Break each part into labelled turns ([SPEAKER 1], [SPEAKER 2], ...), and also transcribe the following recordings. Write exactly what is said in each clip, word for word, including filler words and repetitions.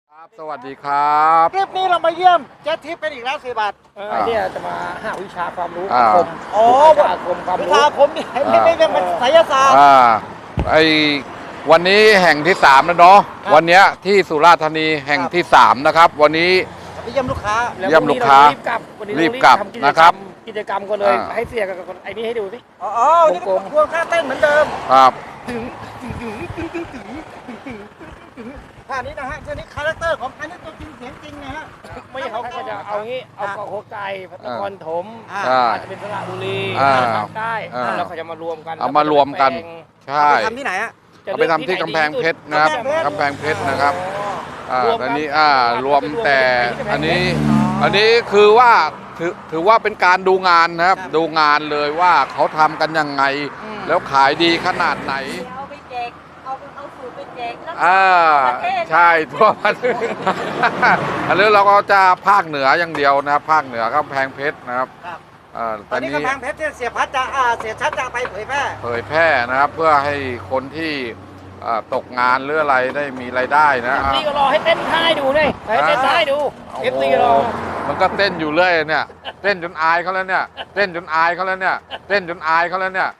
[SPEAKER 1] ครับสวัสดีครับ
[SPEAKER 2] คลิปนี้เรามาเยี่ยมเจ๊ทิพย์กันอีกแล้วสี่บาท
[SPEAKER 3] เออเนี่ยจะมาหาวิชาความรู้
[SPEAKER 1] อ่า
[SPEAKER 3] คม
[SPEAKER 2] อ๋อ
[SPEAKER 3] วิชาคมความ
[SPEAKER 2] วิ
[SPEAKER 3] รู้
[SPEAKER 2] ชาผมนี่ไม่ไม่ไม่เป็นไสยศาสตร์
[SPEAKER 1] อ่าไอวันนี้แห่งที่สามแล้วเนาะ
[SPEAKER 2] ครับ
[SPEAKER 1] วันเนี้ยที่สุราษฎร์ธานีแห่ง
[SPEAKER 2] ครับ
[SPEAKER 1] ที่สามนะครับ วันนี้
[SPEAKER 2] ไปเยี่ยมลูกค้า
[SPEAKER 3] แล้ว
[SPEAKER 1] เยี่ยมลูกค้า
[SPEAKER 3] รีบกลับวันนี้
[SPEAKER 1] รีบกลับ
[SPEAKER 3] ทำจ
[SPEAKER 1] นะครับ
[SPEAKER 3] กิจกรรมกันเลย
[SPEAKER 1] อ่า
[SPEAKER 3] ให้เสียกับคนไอ้นี่ให้ดูสิ
[SPEAKER 2] อ๋ออ๋อวันนี่ก็
[SPEAKER 3] กลมๆ
[SPEAKER 2] ทวงค่าเต้นเหมือนเดิม
[SPEAKER 1] ครับ
[SPEAKER 2] ถึงถึงถึงถึงถึงถึงถึงถึงถึงท่านี้นะฮะท่านี้คาแรคเตอร์ของอันนี้ตัวจริงเสียงจริงนะฮะ
[SPEAKER 3] ไม่ใช่เขาก็จะเอางี้เอาเกาะโคไก่พัตกรถม
[SPEAKER 2] อ่า
[SPEAKER 1] อ่า
[SPEAKER 3] อาจจะเป็นสระบุรี
[SPEAKER 1] อ่า
[SPEAKER 3] ภาคใต้
[SPEAKER 1] อ่า
[SPEAKER 3] แล้วเขาจะมารวมกัน
[SPEAKER 1] เอามารวมกัน ใช่
[SPEAKER 2] ไปทำที่ไหนฮะ
[SPEAKER 1] เอาไปทำที่กำแพงเพชรนะครับกำแพงเพชรนะครับอ่าอันนี้อ่ารวมแต่อันนี้ อันนี้คือว่าถือถือว่าเป็นการดูงานนะครับ
[SPEAKER 2] ครับ
[SPEAKER 1] ดูงานเลยว่าเขาทำกันยังไง
[SPEAKER 2] อืม
[SPEAKER 1] แล้วขายดีขนาดไหน
[SPEAKER 4] เอาไปแจก เอาเอาสูตรไปแจกแล้ว
[SPEAKER 1] อ่า
[SPEAKER 4] ประเทศ
[SPEAKER 1] ใช่ทั่วประเทศ อันนี้เราก็จะภาคเหนืออย่างเดียวนะครับภาคเหนือกำแพงเพชรนะครับ
[SPEAKER 2] ครับ
[SPEAKER 1] อ่า
[SPEAKER 2] ต
[SPEAKER 1] ต
[SPEAKER 2] อ
[SPEAKER 1] อน น
[SPEAKER 2] นี้
[SPEAKER 1] นี้
[SPEAKER 2] กำแพงเพชรเนี่ยเสียพัดจะอ่าเสียชัดจะไปเผยแพร่
[SPEAKER 1] เผยแพร่นะครับ เพื่อให้คนที่อ่าตกงานหรืออะไรได้มีรายได้นะ
[SPEAKER 3] เอฟ
[SPEAKER 1] อ่า
[SPEAKER 3] ซีก็รอให้เต้นท่าให้ดูนี่ให้เต้นท่าให้ดูเอฟซีรอ
[SPEAKER 1] มันก็เต้นอยู่เรื่อยเนี่ย เต้นจนอายเขาแล้วเนี่ย เต้นจนอายเขาแล้วเนี่ย เต้นจนอายเขาแล้วเนี่ย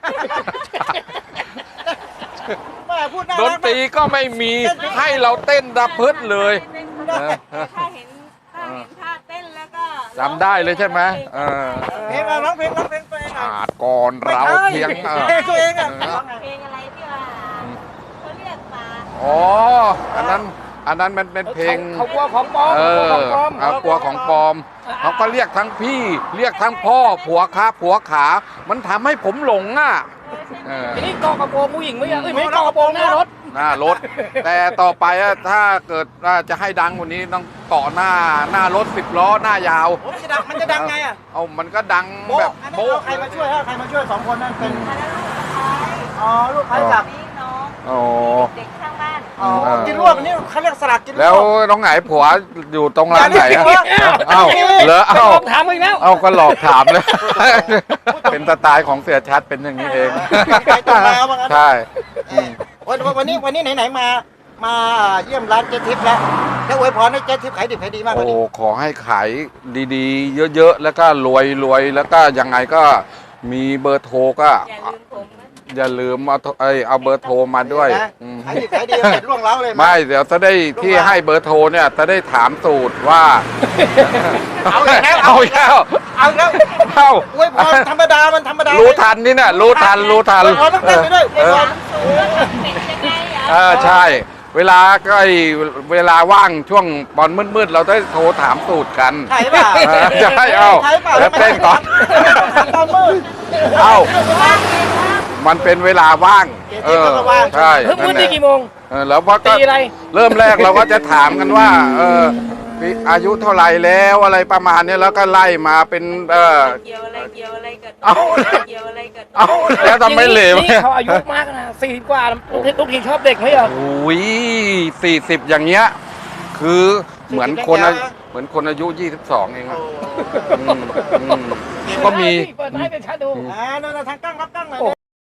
[SPEAKER 2] แม่พูดน่า
[SPEAKER 1] ด
[SPEAKER 2] รั
[SPEAKER 1] น
[SPEAKER 2] ก
[SPEAKER 1] ตรีก็ไม่มีให้เราเต้นดับพืชเลย
[SPEAKER 4] แต่ถ้าเห็นถ้าเห็นท่าเต้นแล้วก็
[SPEAKER 1] จำได้เลยใช่ไหมเออ
[SPEAKER 2] เพลงอะไรร้องเพลงร้องเพลงตัวเองหน่อย
[SPEAKER 1] อาจก่อนเราเพียงเออ
[SPEAKER 2] เพลงตัวเองอ่ะ
[SPEAKER 1] เออ
[SPEAKER 4] เพลงอะไรที่ว่าเขาเรียกปลา
[SPEAKER 1] อ๋อ อันนั้น อันนั้นมันเป็นเพลง
[SPEAKER 3] เขากลัวของปลอม
[SPEAKER 1] เอ
[SPEAKER 3] เขา
[SPEAKER 1] อก
[SPEAKER 3] ลัวของปลอม
[SPEAKER 1] เอากลัวของปลอม เขาก็เรียกทั้งพี่ เรียกทั้งพ่อ ผัวขาผัวขา มันทำให้ผมหลงอ่ะเออ
[SPEAKER 3] ทีนี้เกาะกระโปรงผู้หญิงไม่ใช่เอ้ยไม่ใช่เกาะกระโปรงหน้ารถ
[SPEAKER 1] หน้ารถ แต่ต่อไปอะถ้าเกิดว่าจะให้ดังกว่านี้ต้องเกาะหน้าหน้ารถสิบล้อหน้ายาว
[SPEAKER 2] โอ้มันจะดังมันจะดังไงอ่ะ
[SPEAKER 1] เอามันก็ดัง
[SPEAKER 2] โบ๊ะ
[SPEAKER 1] แบบ
[SPEAKER 2] อันนั้น
[SPEAKER 1] โบ๊ะ
[SPEAKER 2] เอาใครมาช่วยฮะใครมาช่วยสองคนนั่นเป็น
[SPEAKER 4] อันนั้นลูกสะพ้าย
[SPEAKER 2] อ๋อลูกค้าจาก
[SPEAKER 4] นี่น้อง
[SPEAKER 1] โอ้
[SPEAKER 4] เด็กข้างบ้าน
[SPEAKER 2] อ๋อ
[SPEAKER 1] เออ
[SPEAKER 2] กินรวบอันนี้เขาเรียกสลัดกินรวบ
[SPEAKER 1] แล้วน้องไหนผัวอยู่ตรงร้านไหนอะ
[SPEAKER 2] อย่าเรียก
[SPEAKER 1] เอ้าเหรอ
[SPEAKER 3] จะ
[SPEAKER 1] เอ้า
[SPEAKER 3] ลองถามอีกแล้ว
[SPEAKER 1] เอ้าก็หลอกถามเลย เป็นสไตล์ของเสียชัดเป็นอย่างนี้เอง
[SPEAKER 2] ไปตรงมาว่างั้น
[SPEAKER 1] ใช่
[SPEAKER 2] เออวันวันนี้วันนี้ไหนๆมามาเยี่ยมร้านเจ๊ทิพย์แล้วแล้วอวยพรให้เจ๊ทิพย์ขายดิบขายดีมากก
[SPEAKER 1] โอ้
[SPEAKER 2] ว่านี้
[SPEAKER 1] ขอให้ขายดีๆ เยอะๆ แล้วก็รวยรวยแล้วก็ยังไงก็มีเบอร์โทรก็
[SPEAKER 4] อย่าลืมผมนะ
[SPEAKER 1] อย่าลืมเอาโทรเอ้ยเอาเบอร์โทรมาด้วย
[SPEAKER 2] นะ
[SPEAKER 1] อืม
[SPEAKER 2] ขายดิบขายดีเสร็จล่วงเล้าเลยห
[SPEAKER 1] ไม่เดี๋ยวจะได้ที่ให้เบอร์โทรเนี่ยจะได้ถามสูตรว่า
[SPEAKER 2] เอาอีกแล้ว
[SPEAKER 1] เอาอีกแล้ว
[SPEAKER 2] เอาอีกแล้ว
[SPEAKER 1] เอ้า
[SPEAKER 2] อวยพรธรรมดามันธรรมดา
[SPEAKER 1] รู้ทันนี่น่ะรู้ทันรู้ทัน
[SPEAKER 2] อวยพรต้องเต้นไปด้วยอวยพร
[SPEAKER 1] เออใช่ เวลาก็ไอ้เวลาว่างช่วงบอลมืดๆเราได้โทรถามสูตรกัน
[SPEAKER 2] ใช่เปล่า
[SPEAKER 1] เออใช่เอา
[SPEAKER 2] ใช่เปล่า
[SPEAKER 1] แล้วเต้นก่อน
[SPEAKER 2] ตอนมืด
[SPEAKER 1] เอ้ามันเป็นเวลาว่างเออใช่
[SPEAKER 3] เพิ่ง
[SPEAKER 1] นั่
[SPEAKER 3] มืด
[SPEAKER 1] นแห
[SPEAKER 3] นี่
[SPEAKER 1] ละ
[SPEAKER 3] กี่โมง
[SPEAKER 1] เออแล้วพอก็
[SPEAKER 3] ตีอะไร
[SPEAKER 1] เริ่มแรกเราก็จะถามกันว่า เออพี่อายุเท่าไหร่แล้วอะไรประมาณเนี้ยแล้วก็ไล่มาเป็นเออ
[SPEAKER 4] เกี่ยวอะไรเกี่ยวอะไรกับ
[SPEAKER 1] เอา
[SPEAKER 4] เกี่ยวอะไรกับ
[SPEAKER 1] เอาแล้วทำไม่เหลว
[SPEAKER 3] นี่เขาอายุมากนะสี่กว่าทุกทีชอบเด็กไหมเหรอ
[SPEAKER 1] โอ้ยสี่สิบอย่างเงี้ยคือเหมือนคนอาเหมือนคนอายุยี่สิบสองเองอะอืมอืมก็มี
[SPEAKER 3] เปิดให้เป็นชัดดู
[SPEAKER 2] อ่านั่นน่ะทางกั้งรับกั้งหน่อย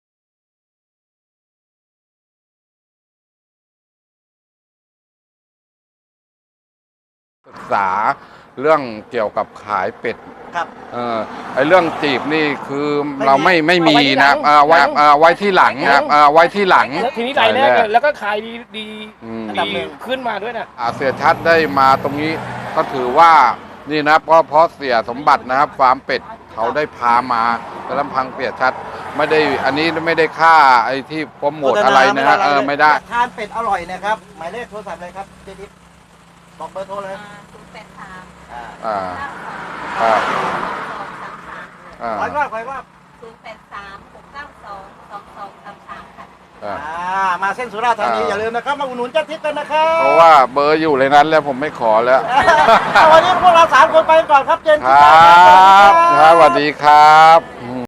[SPEAKER 1] ศึกษาเรื่องเกี่ยวกับขายเป็ด
[SPEAKER 2] ครับ
[SPEAKER 1] เออไอเรื่องจีบนี่คือเราไม่ไม่มีนะครับเออไว้เออไว้ที่หลังนะครับเออไว้ที่หลัง
[SPEAKER 3] แล้วทีนี้รายแรกอะแล้วก็ขายดีดี
[SPEAKER 1] อืม
[SPEAKER 3] ดีขึ้นมาด้วยนะ
[SPEAKER 1] อ่าเสียชัดได้มาตรงนี้ก็ถือว่านี่นะเพราะเพราะเสียสมบัตินะครับฟาร์มเป็ดเขาได้พามาแต่ลำพังเสียชัดไม่ได้อันนี้ไม่ได้ค่าไอ้ที่โปรโมทอะไรนะฮะเออไม่ได้
[SPEAKER 2] ทานเป็ดอร่อยนะครับหมายเลขโทรศัพท์เลยครับเจ๊ทิพย์บอกเบอร์โทรเลย
[SPEAKER 4] ศูนย์แปดสาม
[SPEAKER 2] อ่า
[SPEAKER 1] อ่า
[SPEAKER 4] เก้าสอง
[SPEAKER 1] อ่า
[SPEAKER 4] สองสามสาม
[SPEAKER 1] อ่า
[SPEAKER 2] ขออีกรอบขออีกรอบ
[SPEAKER 4] ศูนย์แปดสามหกเก้าสองสองสองสามสามค่ะ
[SPEAKER 1] อ่า
[SPEAKER 2] อ่ามาเส้นสุราษฎร์ธานี
[SPEAKER 1] อ่า
[SPEAKER 2] อย่าลืมนะครับมาอุดหนุนเจ๊ทิพย์กันนะครับ
[SPEAKER 1] เพราะว่าเบอร์อยู่ในนั้นแล้วผมไม่ขอแล้ว
[SPEAKER 2] เอาวันนี้พวกเราสามคนไปก่อนครับเจน
[SPEAKER 1] ครับครับสวัสดีครับ